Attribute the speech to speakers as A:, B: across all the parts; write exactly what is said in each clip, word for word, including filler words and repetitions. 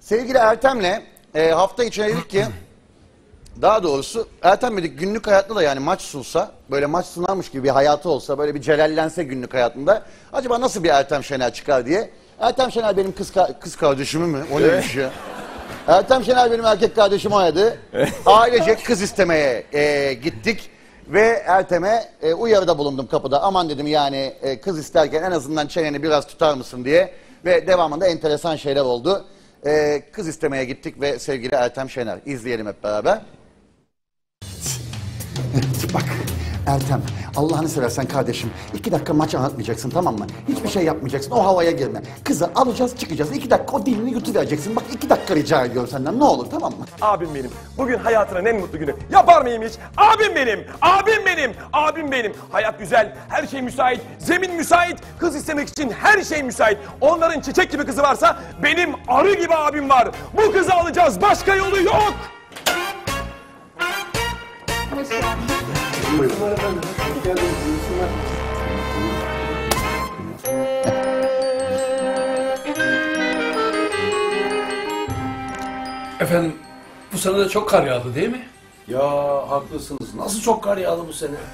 A: Sevgili Ertem'le e, hafta içine dedik ki, daha doğrusu Ertem dedik günlük hayatta da yani maç sunsa, böyle maç sunarmış gibi bir hayatı olsa, böyle bir celallense günlük hayatında, acaba nasıl bir Ertem Şener çıkar diye. Ertem Şener benim kız, ka kız kardeşimi mi? O neymiş ya? Ertem Şener benim erkek kardeşim oynadı. Ailecek kız istemeye e, gittik. Ve Ertem'e e, uyarıda bulundum kapıda. Aman dedim yani e, kız isterken en azından çeneni biraz tutar mısın diye. Ve devamında enteresan şeyler oldu. E, kız istemeye gittik ve sevgili Ertem Şener. İzleyelim hep beraber. Bak Ertem, Allah'ını seversen kardeşim, iki dakika maç anlatmayacaksın, tamam mı? Hiçbir şey yapmayacaksın, o havaya girme. Kızı alacağız, çıkacağız. İki dakika o dilini yutuvereceksin. Bak iki dakika rica ediyorum senden, ne olur, tamam mı?
B: Abim benim. Bugün hayatının en mutlu günü. Yapar mıyım hiç? Abim benim. Abim benim. Abim benim. Hayat güzel. Her şey müsait. Zemin müsait. Kız istemek için her şey müsait. Onların çiçek gibi kızı varsa benim arı gibi abim var. Bu kızı alacağız. Başka yolu yok.
C: Hoş geldin.
D: Buyurun efendim. Hoş geldiniz.
E: Efendim, bu sene de çok kar yağdı değil mi?
D: Ya haklısınız. Nasıl çok kar yağdı bu sene?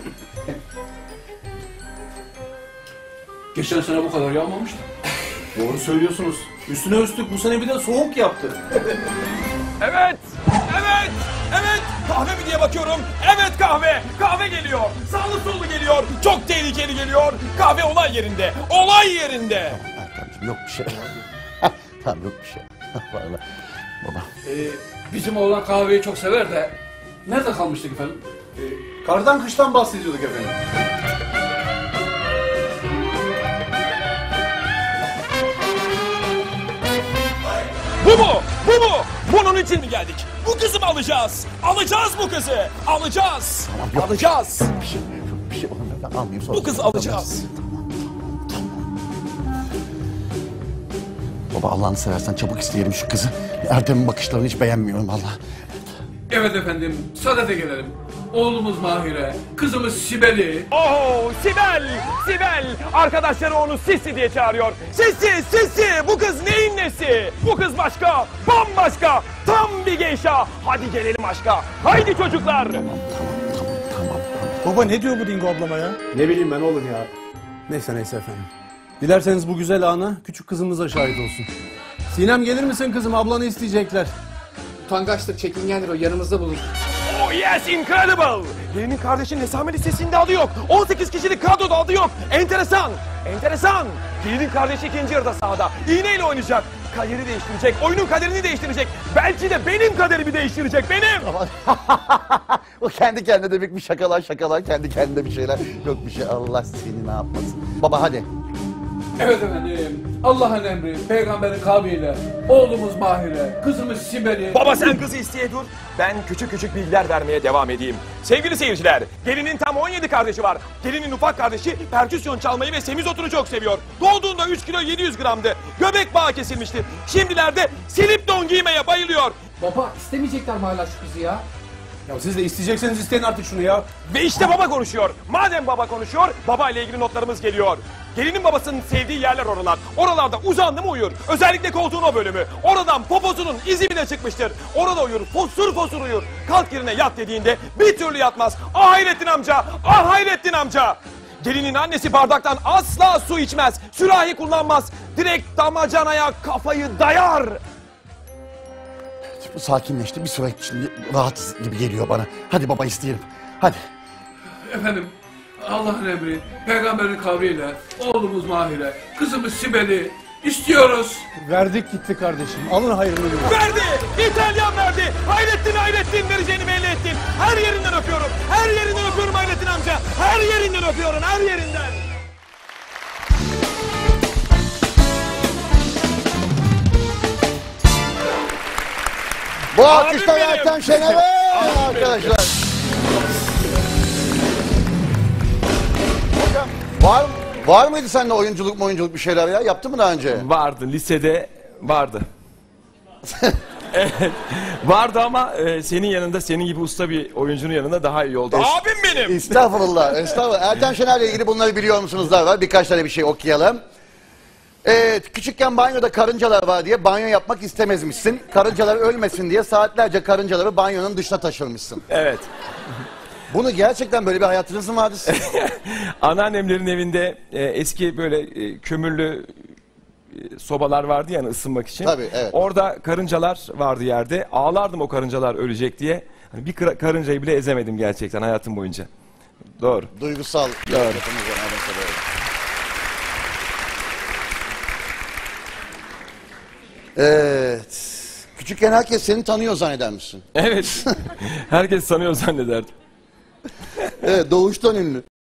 E: Geçen sene bu kadar yağmamıştı.
D: Doğru söylüyorsunuz. Üstüne üstlük bu sene bir de soğuk yaptı.
B: Evet. Evet. Evet. Kahve mi diye bakıyorum. Evet kahve. Kahve geliyor. Sağlı sollu geliyor. Çok tehlikeli geliyor. Kahve olay yerinde. Olay yerinde.
A: Ertem'ciğim yok bir şey. Tamam yok bir şey. Vallahi baba.
E: Ee, bizim oğlan kahveyi çok sever de nerede kalmıştık efendim?
D: Ee, kardan kıştan bahsediyorduk efendim.
B: Bu mu? Bu mu? Bunun için mi geldik? Bu kızı mı alacağız? Alacağız bu kızı. Alacağız.
A: Tamam, yok.
B: Alacağız.
A: Bir şey, yok bir şey olmuyor. Ben almayayım sonra.
B: Bu kızı alacağız.
A: Baba Allah'ını seversen çabuk isteyelim şu kızı. Ertem'in bakışlarını hiç beğenmiyorum vallahi.
E: Evet efendim, sadede gelelim. Oğlumuz Mahir'e, kızımız Sibel'i.
B: Oh Sibel! Sibel! Arkadaşları onu Sisi diye çağırıyor. Sisi! Sisi! Bu kız neyin nesi? Bu kız başka, bambaşka, tam bir geyşa. Hadi gelelim aşka. Haydi çocuklar!
A: Tamam tamam tamam tamam.
F: Baba ne diyor bu Dingo ablama ya?
D: Ne bileyim ben oğlum ya.
F: Neyse neyse efendim. Dilerseniz bu güzel ana küçük kızımız da şahit olsun. Sinem gelir misin kızım, ablanı isteyecekler.
G: Utangaçtır, çekingendir o, yanımızda bulur.
B: Oh yes, incredible! Gelinin kardeşinin hesame listesinde adı yok. on sekiz kişilik kadroda adı yok. Enteresan, enteresan. Gelinin kardeşi ikinci yarıda sahada. İğneyle oynayacak. Kaderi değiştirecek, oyunun kaderini değiştirecek. Belki de benim kaderimi değiştirecek, benim.
A: O kendi kendine de bir şakalar şakalar, kendi kendine bir şeyler. Yok bir şey, Allah seni ne yapmasın. Baba hadi.
E: Evet efendim, Allah'ın emri, peygamberin kavliyle, oğlumuz Mahir'e, kızımız Sibel'i.
B: Baba sen kızı isteye dur. Ben küçük küçük bilgiler vermeye devam edeyim. Sevgili seyirciler, gelinin tam on yedi kardeşi var. Gelinin ufak kardeşi perküsyon çalmayı ve semizotunu çok seviyor. Doğduğunda üç kilo yedi yüz gramdı. Göbek bağı kesilmişti. Şimdilerde silip don giymeye bayılıyor.
G: Baba istemeyecekler mi hala şu kızı ya?
F: Ya siz de isteyecekseniz isteyin artık şunu ya.
B: Ve işte baba konuşuyor. Madem baba konuşuyor, baba ile ilgili notlarımız geliyor. Gelinin babasının sevdiği yerler oralar. Oralarda uzandı mı uyur. Özellikle koltuğun o bölümü. Oradan poposunun izi bile çıkmıştır. Orada uyur, fosur fosur uyur. Kalk yerine yat dediğinde bir türlü yatmaz. Ah Hayrettin amca, ah Hayrettin amca. Gelinin annesi bardaktan asla su içmez. Sürahi kullanmaz. Direkt damacanaya kafayı dayar.
A: Bu sakinleşti, bir süre şimdi rahat gibi geliyor bana. Hadi baba isteyelim, hadi.
E: Efendim, Allah'ın emri, peygamberin kavliyle, oğlumuz Mahir'e, kızımız Sibel'i istiyoruz.
F: Verdik gitti kardeşim. Alın hayrını görün.
B: Verdi! İtalyan verdi! Hayrettin Hayrettin vereceğini belli ettin. Her yerinden öpüyorum. Her yerinden öpüyorum Hayrettin amca. Her yerinden öpüyorum. Her yerinden.
A: Bu
B: Abim
A: alkışlar
B: benim.
A: Ertem Şener'e arkadaşlar. Hocam var, var mıydı sende oyunculuk mu oyunculuk bir şeyler ya? Yaptın mı daha önce?
B: Vardı. Lisede vardı. Evet. Vardı ama e, senin yanında, senin gibi usta bir oyuncunun yanında daha iyi oldu. Abim benim.
A: Estağfurullah, estağfurullah. Ertem Şener'le ilgili bunları biliyor musunuz? Daha var. Birkaç tane bir şey okuyalım. Evet, küçükken banyoda karıncalar var diye banyo yapmak istemezmişsin. Karıncalar ölmesin diye saatlerce karıncaları banyonun dışına taşırmışsın.
B: Evet.
A: Bunu gerçekten böyle bir hayatınız mı vardı?
B: Anneannemlerin evinde e, eski böyle e, kömürlü e, sobalar vardı yani ısınmak için.
A: Tabii, evet.
B: Orada karıncalar vardı yerde. Ağlardım o karıncalar ölecek diye. Hani bir kara- karıncayı bile ezemedim gerçekten hayatım boyunca. Doğru.
A: Duygusal.
B: Doğru.
A: yapımız var, evet, evet. Evet. Küçükken herkes seni tanıyor zanneder misin?
B: Evet. Herkes sanıyor zannederdim.
A: Evet, doğuştan ünlü.